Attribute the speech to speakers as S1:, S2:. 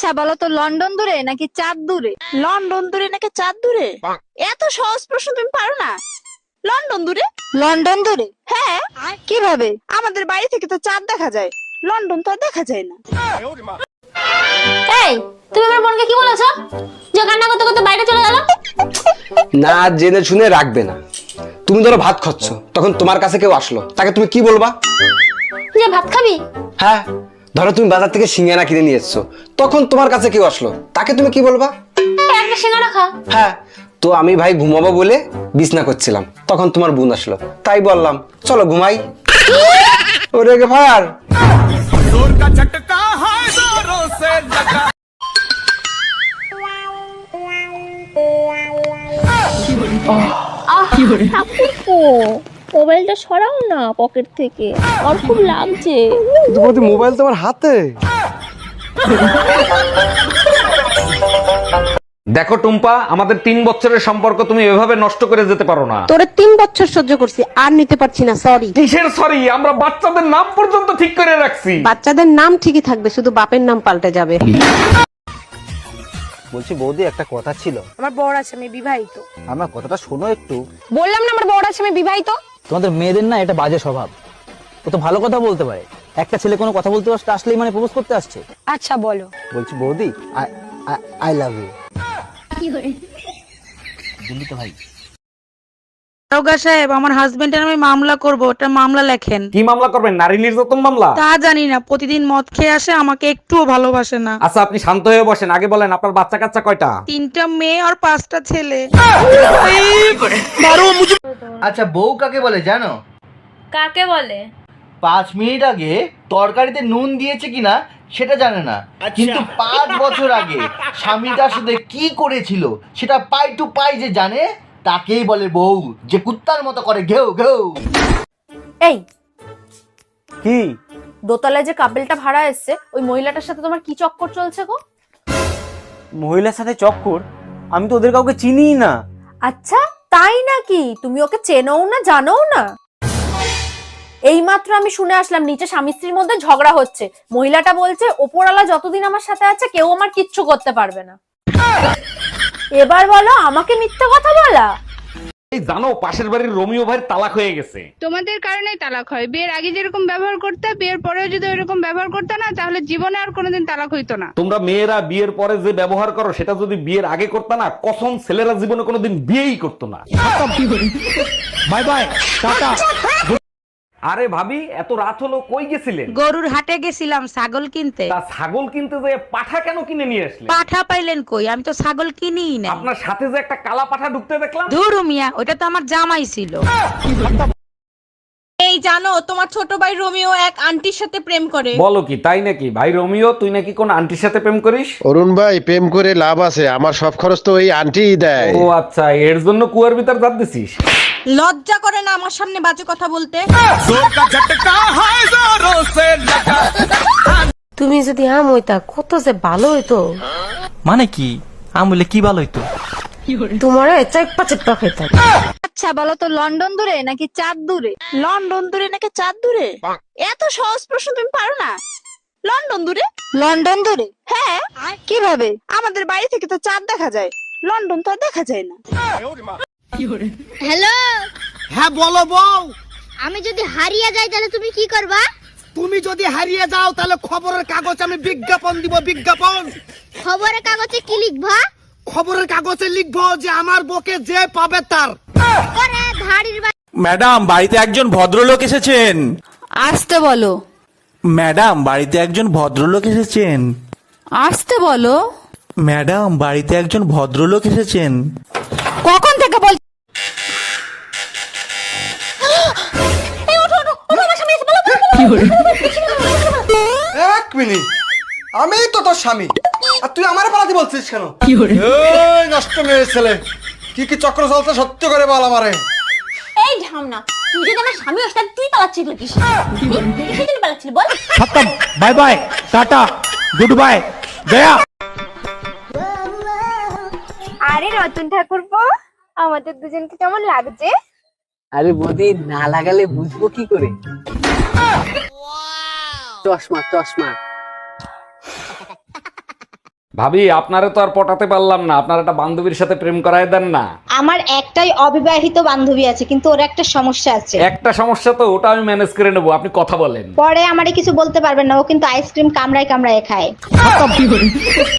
S1: আচ্ছা বলো তো, লন্ডন দূরে নাকি চাঁদ দূরে?
S2: লন্ডন দূরে নাকি চাঁদ দূরে? এত সহজ প্রশ্ন তুমি পারো না? লন্ডন দূরে।
S1: লন্ডন দূরে?
S2: হ্যাঁ,
S1: কিভাবে?
S2: আমাদের বাড়ি থেকে তো চাঁদ দেখা যায়, লন্ডন তো আর দেখা যায় না।
S3: এই, তুমি আমার বোনকে কি বলেছো যে কান্না করতে করতে বাইরে চলে গেল?
S4: না জেনে শুনে রাখবে না। তুমি ধরো ভাত খাচ্ছ, তখন তোমার কাছে কেউ আসলো, তাকে তুমি কি বলবা?
S3: যে ভাত খাবি?
S4: হ্যাঁ, ধরো তুমি বাজার থেকে সিঙ্গারা কিনে নিয়ে এসছো, তখন তোমার কাছে কেউ আসলো, তাকে তুমি কি বলবা?
S3: একটা সিঙ্গারা খা।
S4: হ্যাঁ, তো আমি ভাই ঘুমাবো বলে বিছনা করছিলাম, তখন তোমার বোন আসলো, তাই বললাম চলো ঘুমাই। ওরে গে ফায়ার।
S3: মোবাইলটা সরাও না পকেট থেকে, আর খুব লাগছে।
S4: তোমার মোবাইল তোমার হাতে।
S5: দেখো টুম্পা, আমাদের 3 বছরের সম্পর্ক তুমি এভাবে নষ্ট করে যেতে পারো না।
S6: তোরে 3 বছর সহ্য করছি, আর নিতে পারছি না, সরি।
S5: কিসের সরি? আমরা বাচ্চাদের নাম পর্যন্ত ঠিক করে রাখছি।
S6: বাচ্চাদের নাম ঠিকই থাকবে, শুধু বাপের নাম পাল্টে যাবে।
S7: বলছি বৌদি, একটা কথা ছিল।
S6: আমার বড় আছে, আমি বিবাহিত।
S7: আমার কথাটা শোনো একটু।
S6: বললাম না আমার বড় আছে, আমি বিবাহিত।
S7: তোমাদের মেয়েদের না এটা বাজে স্বভাব। ও তো ভালো কথা বলতে পারে, একটা ছেলে কোনো কথা বলতে আসলেই মানে প্রপোজ করতে আসছে।
S6: আচ্ছা বলো।
S7: বলছি বৌদি, আই লাভ ইউ। দিল্লি তো ভাই।
S2: দারোগা সাহেব, আমার হাজবেন্ডের আমি মামলা করব, ওটা মামলা লেখেন।
S5: কি মামলা করবেন? নারী নির্যাতন মামলা?
S2: তা জানি না, প্রতিদিন মদ খেয়ে আসে, আমাকে একটুও ভালোবাসে না।
S5: আচ্ছা আপনি শান্ত হয়ে বসেন, আগে বলেন আপনার বাচ্চা কাচ্চা কয়টা?
S2: 3টা মেয়ে আর 5টা ছেলে।
S8: আচ্ছা, বউ কাকে বলে জানো?
S3: কাকে বলে?
S8: 5 মিনিট আগে তরকারিতে নুন দিয়েছে কিনা সেটা জানে না, কিন্তু 5 বছর আগে স্বামী তার সাথে কি করেছিল সেটা পাই টু পাই যে জানে, তাকেই বলে বউ, যে কুত্তার মতো করে ঘেউ ঘেউ।
S9: এই
S7: কি?
S9: দোতলায় যে কাপেলটা ভাড়া এসছে, ওই মহিলাটার সাথে তোমার কি চক্কর চলছে গো?
S7: মহিলার সাথে চক্কর? আমি তো ওদের কাউকে চিনিই না।
S9: আচ্ছা তাই নাকি? তুমি ওকে চেনও না, জানোও না? এইমাত্র আমি শুনে আসলাম নিচে স্বামী স্ত্রীর মধ্যে ঝগড়া হচ্ছে। মহিলাটা বলছে ওপরওয়ালা যতদিন আমার সাথে আছে কেউ আমার কিচ্ছু করতে পারবে না। এবার বলো, আমাকে মিথ্যা কথা বলা?
S5: এই জানো, পাশের বাড়ির রোমিও ভাইয়ের তালাক হয়ে গেছে।
S1: তোমাদের কারণেই তালাক হয়। বিয়ের আগে যেরকম ব্যবহার করতে, বিয়ের পরেও যদি ওইরকম ব্যবহার করতে না, তাহলে জীবনে আর কোনোদিন তালাক হইতো না।
S5: তোমরা মেয়েরা বিয়ের পরে যে ব্যবহার করো সেটা যদি বিয়ের আগে করতে না, কসম ছেলেরা জীবনে কোনোদিন বিয়েই করতো না। Bye bye, tata. আরে ভাবি, এত রাত হলো, কই গেছিলেন?
S2: গরুর হাটে গেছিলাম ছাগল কিনতে।
S5: তা ছাগল কিনতে যে পাঠা কেন কিনে নিয়ে আসলেন?
S2: পাঠা পাইলেন কই? আমি তো ছাগল কিনিই না।
S5: আপনার সাথে যে একটা কালা পাঠা ঢুকতে দেখলাম।
S2: ধুরু মিয়া, ওটা তো আমার জামাই ছিল। এই জানো, তোমার ছোট ভাই রোমিও এক আন্টির সাথে প্রেম করে।
S5: বলো কি, তাই নাকি? ভাই রোমিও, তুই নাকি কোন আন্টির সাথে প্রেম করিস?
S10: অরুণ ভাই, প্রেম করে লাভ আছে? আমার সব খরচ তো এই আন্টিই দেয়।
S5: ও আচ্ছা, এর জন্য কুয়ার ভিতর জাত দিছিস?
S2: লজ্জা করে না আমার সামনে বাজে কথা বলতে?
S6: তুমি যদি আম হইতা কত যে ভালো হইতো।
S7: মানে কি? আমি বলে কি ভালো হইতো?
S6: তোমার চেপ্পা চেপ্পা খাইতাম।
S1: আচ্ছা বলো তো, লন্ডন দূরে নাকি চাঁদ দূরে?
S2: লন্ডন দূরে নাকি চাঁদ দূরে? এত সহজ প্রশ্ন তুমি পারো না? লন্ডন দূরে।
S1: লন্ডন দূরে?
S2: হ্যাঁ,
S1: কিভাবে?
S2: আমাদের বাড়ি থেকে তো চাঁদ দেখা যায়, লন্ডন তো আর দেখা যায় না।
S3: হ্যালো,
S8: হ্যাঁ বলো বউ।
S3: আমি যদি হারিয়ে যাই তাহলে তুমি কি করবা?
S8: তুমি যদি হারিয়ে যাও তাহলে খবরের কাগজ আমি বিজ্ঞাপন দিব, বিজ্ঞাপন।
S3: খবরের কাগজে কি লিখবা?
S8: খবরের কাগজে লিখবো যে আমার বউকে যে পাবে তার।
S3: ওরে ধাড়ির
S11: ম্যাডাম, বাড়িতে একজন ভদ্রলোক এসেছেন।
S6: আসতে বলো।
S11: ম্যাডাম, বাড়িতে একজন ভদ্রলোক এসেছেন।
S6: আসতে বলো।
S11: ম্যাডাম, বাড়িতে একজন ভদ্রলোক এসেছেন।
S6: কখন থেকে বল।
S4: এক মিনিট, আমি তো তোর স্বামী, আর তুই আমার পালাতে বলছিস কেন? এই নষ্ট মেয়ে ছেলে, কি কি চক্র চলছে সত্য করে বল আমারে।
S3: এই ঢামনা, তুই যদি আমার স্বামী হস তাহলে তুই পালাচ্ছিস কিস? কিসের পালাচ্ছিস বল?
S11: খতম, bye bye, tata, good bye, গয়া।
S3: আরে রতন ঠাকুরপো, আমাদের দুজনকে কেমন লাগছে?
S6: আরে বৌদি, না লাগালে বুঝবো কি করে? চশমা চশমা।
S5: ভাবি আপনারে তো আর পটাতে পারলাম না, আপনার একটা বান্ধবীর সাথে প্রেম করায় দেন না।
S3: আমার একটাই অবিবাহিত বান্ধবী আছে, কিন্তু ওর একটা সমস্যা আছে।
S5: একটা সমস্যা তো, ওটা আমি ম্যানেজ করে নেবো, আপনি কথা বলেন।
S3: পরে আমারে কিছু বলতে পারবেন না, ও কিন্তু আইসক্রিম কামড়ায় কামড়ায় খায়।